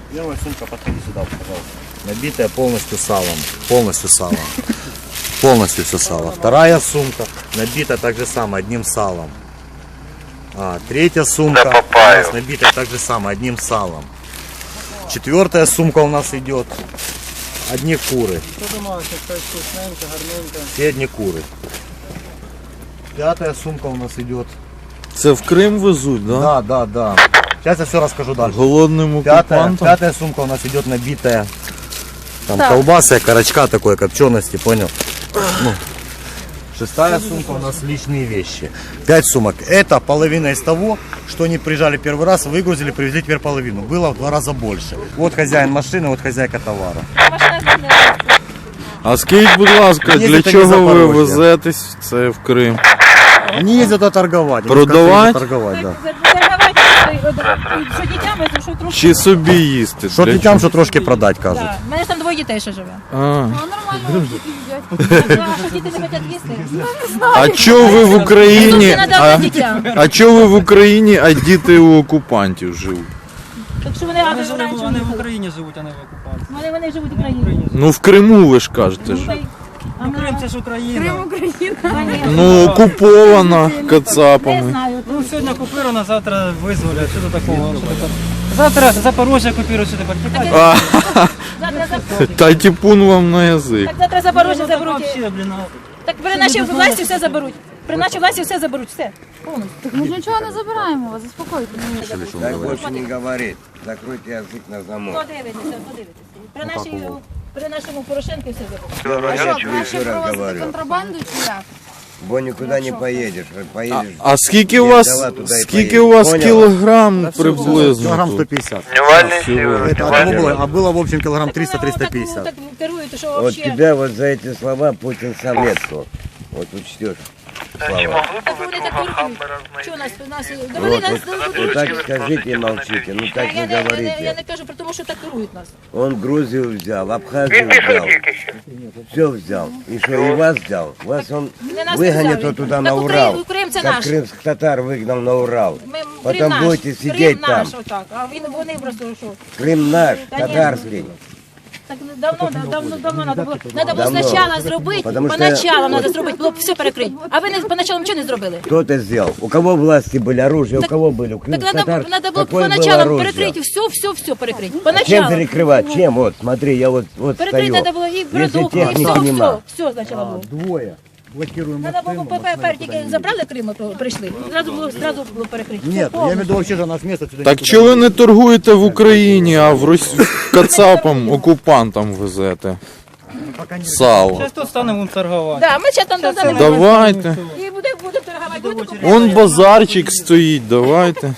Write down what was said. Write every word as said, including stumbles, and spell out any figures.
Первая сумка, подходи сюда, пожалуйста. Набитая полностью салом. Полностью салом. Полностью все сало. Вторая сумка набита так же самое, одним салом. А, третья сумка у нас набита так же самое, одним салом. Четвертая сумка у нас идет. Одни куры. Все одни куры. Пятая сумка у нас идет. Це в Крим везуть, да? Да, да, да. Сейчас я все расскажу дальше. Голодним Пятая, окупантам? пятая сумка у нас идет набитая. Там Так. колбаса, корочка такой, копчености, понял? Ну. Шестая сумка у нас личные вещи. Пять сумок. Это половина из того, что они приезжали первый раз, выгрузили, привезли теперь половину. Было в два раза больше. Вот хозяин машины, вот хозяйка товара. Машина змінилася. А скажіть, будь ласка, Ні, для це не чого ви Запорожжя. везетесь це в Крим? Они ездят это торговать. Они Продавать? ездят торговать, да. Що дітям, що трошки. Чи собі їсти? Що Для дітям, що трошки продать, кажуть. Да. У мене ж там двоє дітей ще живе. чого? А. А що діти не хочуть їсти? А чого ви в Україні? Це надо А, дітям. а чого ви в Україні, а діти у окупантів живуть? Так що вони Вони, раніше живуть, вони в Україні живуть, а не в окупації. Вони, вони живуть в Україні. Ну в Криму ви ж кажете ж. А Ну, Крим це ж Україна. Ну окупована Не кацапами. знаю. Ну, сьогодні окупировано, завтра визволять. Що до такого? Що таке? Завтра Запорожжя окупують, що тепер тікати. А, Завтра Запорожжя. та тіпун вам на язик. Так завтра Запорожжя заберуть. Вообще, блін, а. Так при нашій власті все заберуть. При нашій власті все заберуть, все. Повністю. Ми ж нічого не забираємо вас, заспокойтесь. Так больше не говорит. Закройте язык на замок. Подивитися, подивитися. При нашій, при нашому Порошенку все заберуть. Я тебе Краще еще раз провозити говорю. контрабанду чи як? Бо никуда не поедешь. Поедешь. А скільки у вас, Взяла туди і скільки поїхала. у вас Поняла? кілограм приблизно? Килограмм тут? сто пятьдесят. Всього? Это, а того было, а было в общем килограмм триста триста Так пятьдесят. керуєте, що Вот взагалі. тебя вот за эти слова Путин сам метку. Вот учтешь слова. Так вони так керують. Що нас, нас, довели Вот, нас вот, до вот так скажите и молчите. Ну так я, не не, я, не, я говорите. не кажу про те, що так керують нас. Он Грузию взял, Абхазию взял. Все взял. И что, и вас взял? Вас он Не нас не выгонит взяли. вот туда Так на Укра- Урал. Крым це Как наш. крымских татар выгнал на Урал. Ми, Крим Потом наш, будете Крим сидеть там. наш, отак. А він, вони просто що? Крым наш, Конечно. татарский. Так давно, давно, давно надо було, надо було Давно. спочатку зробити, Потому що- поначалу треба зробити, було б все перекрити. А ви не поначалу нічого не зробили. Кто это сделал? У кого власти были, оружие, у Так- кого были? У Так крымских надо, татар надо було б какое было поначалу оружие? перекрити, все, все, все перекрити. Чем Поначалу. перекрывать? Чем? Вот, смотри, я вот, вот Перекрити стою. треба було і Если продукти, і техники все, нема. все, все спочатку було. Двое. Блокируем Треба було ППР, тільки забрали Крим, то прийшли. Зразу було, зразу було перекрити. Все Нет, я имею в повністю. виду вообще же наш место сюда Так никуда чого ви не торгуєте в Україні, а в Росі... кацапам, окупантам везете? Сало. Зараз тут станемо торгувати. Да, ми ще там додали. Давайте. І будемо будемо торгувати. Будете купляти? Вон базарчик стоїть, давайте.